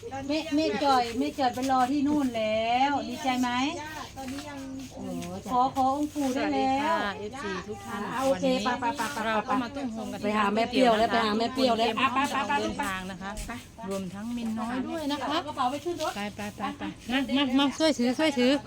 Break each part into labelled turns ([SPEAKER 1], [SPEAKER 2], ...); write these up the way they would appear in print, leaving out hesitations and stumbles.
[SPEAKER 1] แม่จ่อยไปรอที่นู่นแล้วดีใจไหมตอนนี้ยังขอองค์ปู่ได้แล้ว
[SPEAKER 2] FC ทุกท่าน
[SPEAKER 1] โอเคไป
[SPEAKER 2] เราก็มาตุ้มโฮมกัน
[SPEAKER 1] ไปหาแม่เปรี้ยวแล้วไปหาแม่เปรี้ยวแล้ว
[SPEAKER 2] ไปเดินทางนะคะรวมทั้งมินน้อยด้วยนะคะ
[SPEAKER 1] กระเป๋าไปขึ้นรถ
[SPEAKER 2] ไปมาช่วยถือ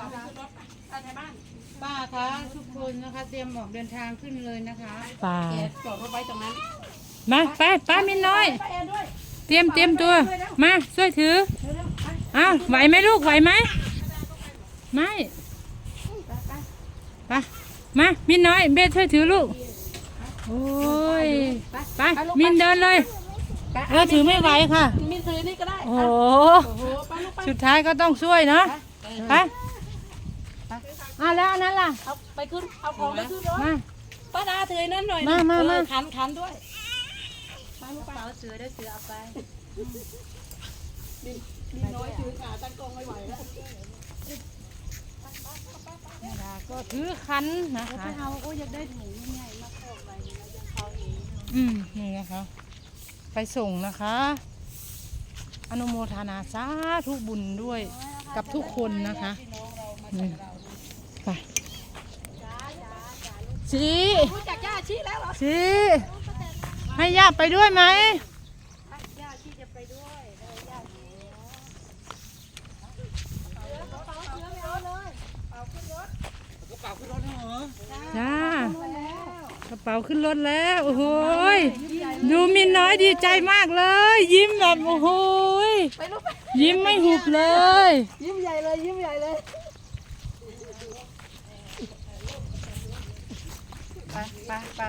[SPEAKER 3] ป้าคะทุกคนนะคะเตรียมออกเดินทางขึ้นเลยนะคะ
[SPEAKER 2] ป่า
[SPEAKER 1] จอดรถไว้ตรงนั้น
[SPEAKER 2] มาไปมินน้อยเตรียมตัวมาช่วยถืออ้าวไหวไหมลูกไหวไหมไม่ไปมามินน้อยเบสช่วยถือลูกโอ้ยไปมินเดินเลยถือไม่ไหวค่ะ
[SPEAKER 1] มินซื้อนี่ก็ได้
[SPEAKER 2] โอ้โหสุดท้ายก็ต้องช่วยเนาะไปแล้วอันนั้นล่ะ
[SPEAKER 1] เอาไปขึ้นเอาของไปขึ้นรถ
[SPEAKER 2] มา
[SPEAKER 1] ป้าดาถือนั่นหน่อย
[SPEAKER 2] มา
[SPEAKER 1] ขันด้วย
[SPEAKER 3] กระเป๋าเสือได้เสือเอาไป
[SPEAKER 1] มีน้อยถือขาตั้งกองไม่ไหวแล้ว
[SPEAKER 2] ก็ถือคันนะคะ
[SPEAKER 1] ไปเอาโอ้อยากได้ถุงใหญ่มาเพิ่มไปนะยังเขาเอง
[SPEAKER 2] นี่นะคะไปส่งนะคะอนุโมทนาสาธุบุญด้วยกับทุกคนนะคะไปชี
[SPEAKER 1] รู้จักย่าชีแล้วเหรอ
[SPEAKER 2] ชีให้ย่าไปด้วยไหม
[SPEAKER 1] ย่าชีจะไปด้วยย่าชี
[SPEAKER 2] จ้ากระเป๋าขึ้นรถแล้วโอ้โหยดูมินน้อยดีใจมากเลย ยิ้มแบบโอ้โหยยิ้มไม่หุบเลย
[SPEAKER 1] ยิ้มใหญ่เลยยิ้มใหญ่เลยไป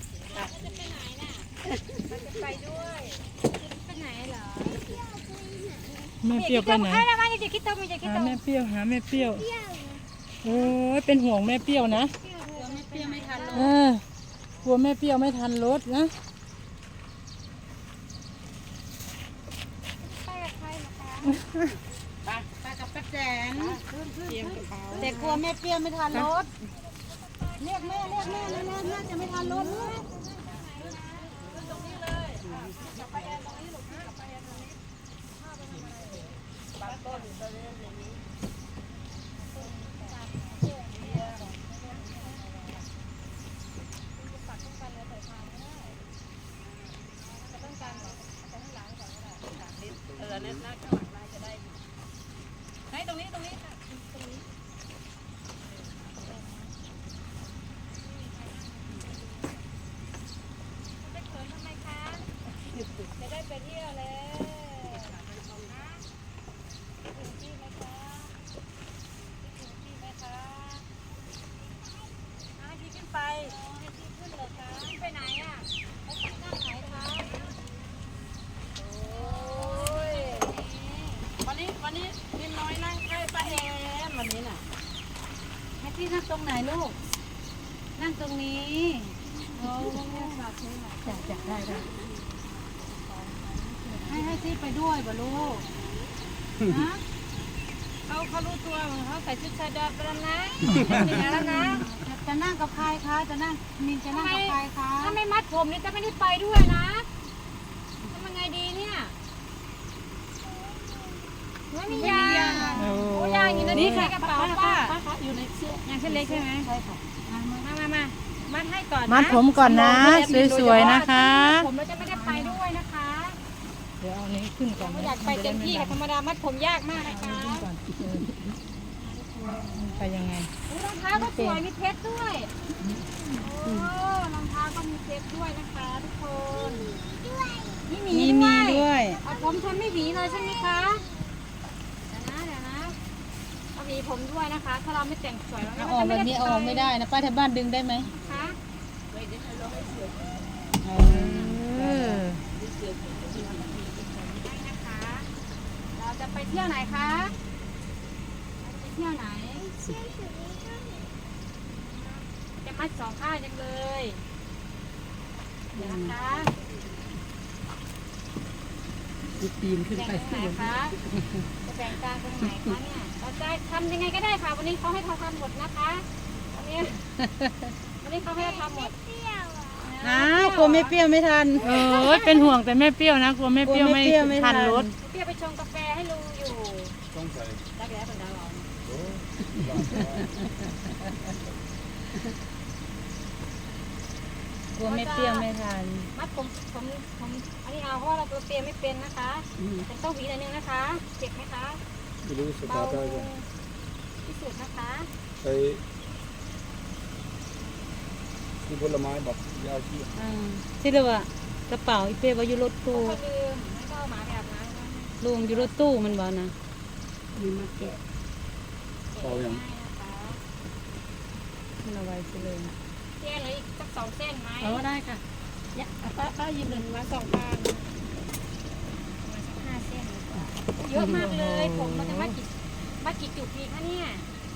[SPEAKER 2] แม่เปรี้ยวไปไหนหาแม่เปรี้ยวโอ้ยเป็นห่วงแม่เปรี้ยวนะกลัวแม่เปรี้ยวไม่ทันรถนะ
[SPEAKER 3] ไปกับป้าแจนเตรียมกระเป๋า
[SPEAKER 1] แต่กลัวแม่เปรี้ยวไม่ทันรถเรียกแม่แล้วแม่จะไม่ทันรถเลย ตรงนี้ค่ะไปเขินทำไมคะจะได้ไปเที่ยวแล้วถึงที่ไหมคะถึงที่ไหมคะให้พี่ขึ้นไปให้พี่ขึ้นเลยคะไปไหนอ่ะไปที่นั่งไหนคะโอ้ยวันนี้นิ่มน้อยนั่งใกล้ป้าแอมวันนี้น่ะให้พี่นั่งตรงไหนลูกนั่งตรงนี้โอ้จัดได้ให้ที่ไปด้วยบ่ลูกนะเขารู้ตัวเขาใส่ชุดชายแดนไปแล้วนะแล้วนะจะนั่งกับใครคะจะนั่งมินจะนั่งกับใครคะถ้าไม่มัดผมนี่จะไม่ได้ไปด้วยนะทำยังไงดีเนี่ยไม่มียาโอ้ยาอยู่ในนี้ค่ะกระเป๋าป้าอยู่ในเสื้อยางเส้นเล็กใช่ไหมใช่ค่ะมามัดให้ก่อนนะ
[SPEAKER 2] มัดผมก่อนนะสวยๆนะคะ
[SPEAKER 1] ผมเราจะไม่ได้ไปด้วยนะคะ
[SPEAKER 2] เดี๋ยวเอานี้ขึ้นก่อน
[SPEAKER 1] ไม่อยากไปเต็มที่ค่ะธรรมดามัดผมยากมากนะคะ
[SPEAKER 2] ไปยังไง
[SPEAKER 1] รองเท้าก็สวยมีเพชรด้วยโอ้รองเท้าก็มีเพชรด้วยนะคะทุกคนมีด้วย เอาผมทนไม่หวีเลยใช่ไหมคะเดี๋ยวนะเอาหวีผมด้วยนะคะ ถ้าเราไม่แต่งสวยเรา
[SPEAKER 3] ออกแบบนี้ออกไม่ได้นะป้าแถวบ้านดึงได้ไหม
[SPEAKER 1] คะ นะคะ เราจะไปเที่ยวไหนคะเราจะไปเที่ยวไหนจะมัดสองข้างจังเลยเดี๋ยวนะคะ
[SPEAKER 3] ปีนขึ้นไป
[SPEAKER 1] แบ่งตรงไหนคะจะแบ่งกลางตรงไหนคะเนี่ยเราจะทำยังไงก็ได้ค่ะ วันนี้เขาให้เราทำหมดนะคะวันนี้เขาให้เราทำหมด
[SPEAKER 3] อ้าวกลัวไม่เปรี้ยวไม่ทัน
[SPEAKER 2] เป็นห่วงแต่แม่เปรี้ยวนะกลัวแม่เปรี้ยวไม่
[SPEAKER 3] กลัวแม่เปรี้ยวไม่ทั
[SPEAKER 2] ทั
[SPEAKER 3] น
[SPEAKER 2] นรถ
[SPEAKER 1] เพี่ไปชงกาแฟให้ลุงอยู่
[SPEAKER 4] ต้องใส่
[SPEAKER 1] รักแร้เป็นดาว
[SPEAKER 4] โอ้
[SPEAKER 3] กลัวไม่เปรี้ยวไม่ทัน
[SPEAKER 1] มัดผมอันนี้เอาเพราะว่าเราตัวเตรียมไม่เป็นนะคะแต่ต้องหวีหน่อยนึงนะคะเจ็บไหมคะ
[SPEAKER 4] ไม่รู้ส
[SPEAKER 1] เบา
[SPEAKER 4] ตาร์ทได้ก็
[SPEAKER 1] ที่สุดนะคะ
[SPEAKER 4] ใช้ที่ผลไม้แบบยาวที่
[SPEAKER 3] ที่เรียกว่ากระเป๋าอีเป้ว่าอยู่รถตู้
[SPEAKER 1] ก็ลืมไม่ก็เอาหมาไปอาบน้ำนะ
[SPEAKER 3] ลุงอยู่รถตู้มันบ่นะ
[SPEAKER 1] มีมาแกะ
[SPEAKER 4] พออย่าง
[SPEAKER 1] ให้นะคะ
[SPEAKER 3] มันเอาไว้สิเลย
[SPEAKER 1] เส้นเลยอีกสัก2 เส้นไหม
[SPEAKER 3] ได้ค่ะ
[SPEAKER 1] ป้าหยิบหนึ่งมา2 ปางมาสัก5 เส้นดีกว่าเยอะมากเลยผมเราจะมากี่จุดดีคะเนี่ย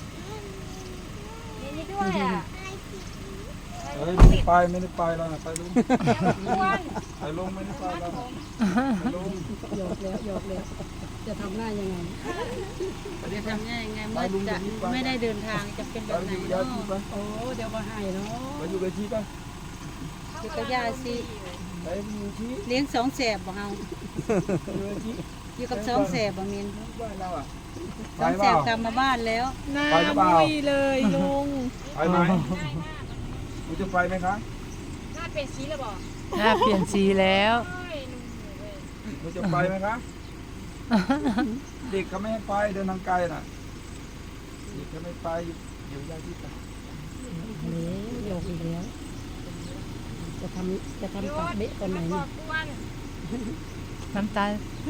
[SPEAKER 1] นี่ด้วยอ่ะ
[SPEAKER 4] เฮ้ยไม่ได้ไปแล้วนะไปลุง
[SPEAKER 1] อ้วน
[SPEAKER 4] ไปลุงไม่ได้ไปแล้วไปลุง
[SPEAKER 3] หยอกแล้วจะทำหน้ายังไงจะทำหน้ายังไงเมื่อจะไม่ได้เดินทางจะเป็น
[SPEAKER 4] ไป
[SPEAKER 3] แบบไหน
[SPEAKER 4] อยู่ยา
[SPEAKER 3] เนาะ
[SPEAKER 4] ที่ไป
[SPEAKER 3] โอ้เดี๋ยวมาให้เนาะ
[SPEAKER 4] ไปอยู่กับที่ไป
[SPEAKER 3] อยู่กับยาสิ
[SPEAKER 4] ไปอยู่ที่
[SPEAKER 3] เลี้ยงสองแสบบ่เฮา
[SPEAKER 4] อยู่กับที่
[SPEAKER 3] อยู่กับสองแสบบ่มิน
[SPEAKER 4] บ้านเราอ่ะ
[SPEAKER 3] ส
[SPEAKER 4] ไป
[SPEAKER 3] อง
[SPEAKER 4] เป
[SPEAKER 3] แส
[SPEAKER 4] ล่า
[SPEAKER 3] บกลับมาบ้านแล้ว
[SPEAKER 4] ไปหรือเปล่า
[SPEAKER 3] เลยลุง
[SPEAKER 4] ไปไหม
[SPEAKER 1] ง่ายมาก
[SPEAKER 4] คุณจะไปไหมคะ
[SPEAKER 1] หน้าเป็นสีเลยบอก
[SPEAKER 2] หน้าเปลี่ยนสีแล้ว
[SPEAKER 1] โอ้ยลุงเว้ย
[SPEAKER 4] คุณจะไปไหมคะเด็กเขาไม่ให้ไปเดินทางไกลน่ะเด็กเขาไม่ไปอยู่ยาที่ไป
[SPEAKER 3] หยอกอีกแล้วจะทำปากเบ๊ะตอนไหน
[SPEAKER 1] บ
[SPEAKER 3] เนี่
[SPEAKER 1] อย กอ้วน
[SPEAKER 2] น้ำตา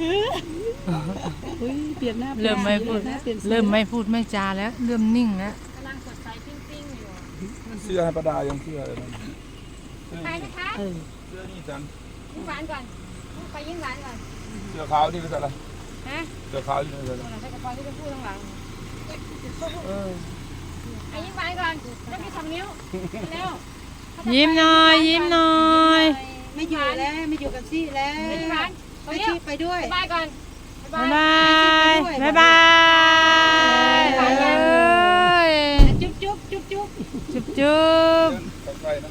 [SPEAKER 3] เปลี่ยนหน้า
[SPEAKER 2] เริ่มไม่พูดไม่จาแล้ว เริ่มนิ่งแล้ว
[SPEAKER 1] กำลังสดใสปิ้งๆอยู่
[SPEAKER 4] เสื้อให้ประดายังเสื้อเลยนะ
[SPEAKER 1] ไปนะคะ
[SPEAKER 4] เสื้อนี่จัง
[SPEAKER 1] ยิ้มหวานก่อนไปยิ้มหวานก่อน
[SPEAKER 4] เสื้อขาวนี่เป็นอะไร
[SPEAKER 1] ฮะ
[SPEAKER 4] เสื้อขาวนี่เป็นอะไร
[SPEAKER 1] ตัวไหนใส่กระเป๋าที่จะพูดข้างหลังไอ้ยิ้มหวานก่อนต้องมี2 นิ้วแล้ว
[SPEAKER 2] ยิ้มหน่อยยิ้มหน่อย
[SPEAKER 3] ไม่อยู่แล้วไม่อยู่กับซี่แล้ว
[SPEAKER 1] ยิ้มหวาน
[SPEAKER 3] ไปซี่ไปด้วย
[SPEAKER 1] บายก่อน
[SPEAKER 2] บ๊ายบายบ๊ายบายเอ้ย
[SPEAKER 3] จุ๊บจุ๊บจุ๊บจุ๊บ
[SPEAKER 2] จุ๊บจุ๊บ
[SPEAKER 4] ใกล้ๆนะ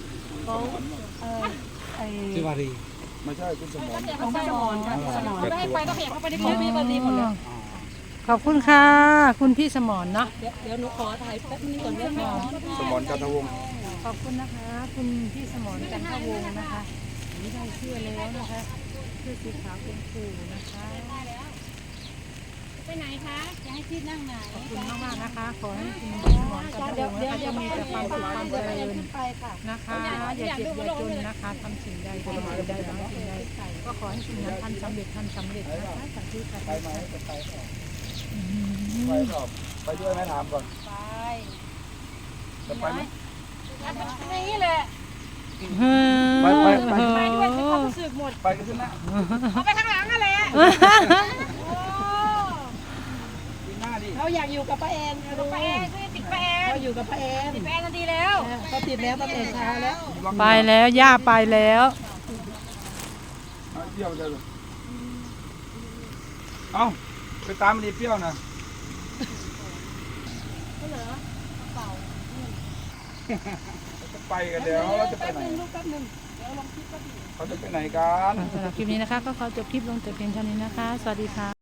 [SPEAKER 4] ชื่อวารีไม่ใช่คุณสมร
[SPEAKER 1] ของสมอนค่ะสมอนให้ไปก็ขยับเข้าไปในพื้นที่ก็ดีหมดเลย
[SPEAKER 2] ขอบคุณค่ะ คุณพี่สมรเนาะ
[SPEAKER 3] เดี๋ยวหนูขอถ่ายแป๊บนึงก่อนได้ไหม
[SPEAKER 4] สมรจันทวงศ์
[SPEAKER 2] ขอบคุณนะคะ คุณพี่สมรจันทวงศ์นะคะนี่ได้เสื้อแล้วนะคะเสื้อสีขาวเป็นครูนะคะ
[SPEAKER 1] ไปไหนคะ
[SPEAKER 3] จะให้พี่นั่งไหน
[SPEAKER 2] ขอบคุณมากๆนะคะ ขอให้คุณพี่สมรจันทวงศ์นะคะจะมีแต่ความสุขความเจริญ
[SPEAKER 3] ไปค่ะ
[SPEAKER 2] นะคะอย่าเจ็บอย่าจนนะคะทำสิ่งใดทำสิ่งใดทำสิ่งใดก็ขอให้สิ่งนั้นท่านสำเร็จนะคะสาธุค่ะ
[SPEAKER 4] ไปไหมจะไปไปสอบไปด้วยไหมถามก่อน
[SPEAKER 1] ไป
[SPEAKER 4] จะไปไหม
[SPEAKER 1] นี่แหละ
[SPEAKER 4] ไป
[SPEAKER 1] ไปด้วยเป็นความรู้สึกหมด
[SPEAKER 4] ไปกันขึ้นนะ
[SPEAKER 1] เอาไปข้างหลังนั่นแหละโอ้
[SPEAKER 4] กินหน้าดิ
[SPEAKER 3] เขาอยากอยู่กับป้าแอนค่ะลุง
[SPEAKER 1] ไปแอนซื้อติดไปแอน
[SPEAKER 3] เขาอยู่กับป้าแอน
[SPEAKER 1] ติดไปแอนดีแล้ว
[SPEAKER 3] เขาติดแล้วตั้งแต่เช้าแล้ว
[SPEAKER 2] ไปแล้วย่าไปแล้ว
[SPEAKER 4] เปรี้ยวจะเอ้าไปตามมันดีเปรี้ยวนะจะไปกันเดี๋ยวเราจะไปไหนเขาจะไปไหนกัน
[SPEAKER 2] สำหรับคลิปนี้นะคะ ก็ขอจบคลิปลงแต่เพียงเท่านี้นะคะ สวัสดีค่ะ